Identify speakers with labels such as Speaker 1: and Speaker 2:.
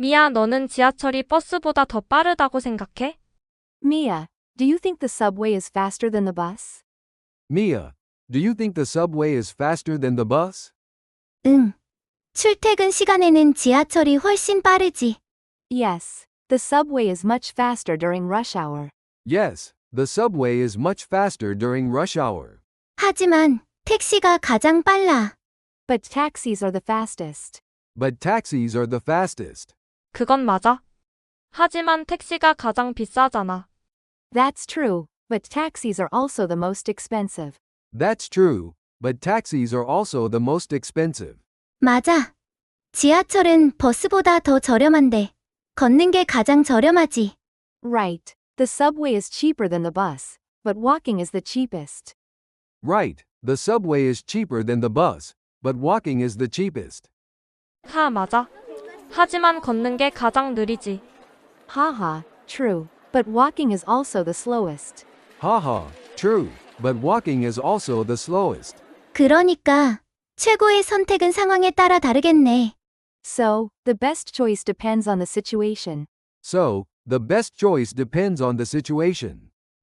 Speaker 1: 미야, 너는 지하철이 버스보다 더 빠르다고 생각해?
Speaker 2: Mia, do you think the subway is faster than the bus?
Speaker 3: Mia, do you think the subway is faster than the bus?
Speaker 4: 응. 출퇴근 시간에는 지하철이 훨씬 빠르지.
Speaker 2: Yes, the subway is much faster during rush hour.
Speaker 3: Yes, the subway is much faster during rush hour.
Speaker 4: 하지만 택시가 가장 빨라.
Speaker 2: But taxis are the fastest.
Speaker 3: But taxis are the fastest.
Speaker 1: 그건 맞아. 하지만 택시가 가장 비싸잖아.
Speaker 2: That's true, but taxis are also the most expensive.
Speaker 3: That's true, but taxis are also the most expensive.
Speaker 4: 맞아. 지하철은 버스보다 더 저렴한데 걷는 게 가장 저렴하지.
Speaker 2: Right, the subway is cheaper than the bus, but walking is the cheapest.
Speaker 3: Right, the subway is cheaper than the bus, but walking is the cheapest.
Speaker 1: 하, 맞아. 하지만 걷는 게 가장 느리지.
Speaker 2: Haha, true, but walking is also the slowest.
Speaker 3: Haha, true, but walking is also the slowest.
Speaker 4: 그러니까 최고의 선택은 상황에 따라 다르겠네.
Speaker 2: So, the best choice depends on the situation.
Speaker 3: So, the best choice depends on the situation.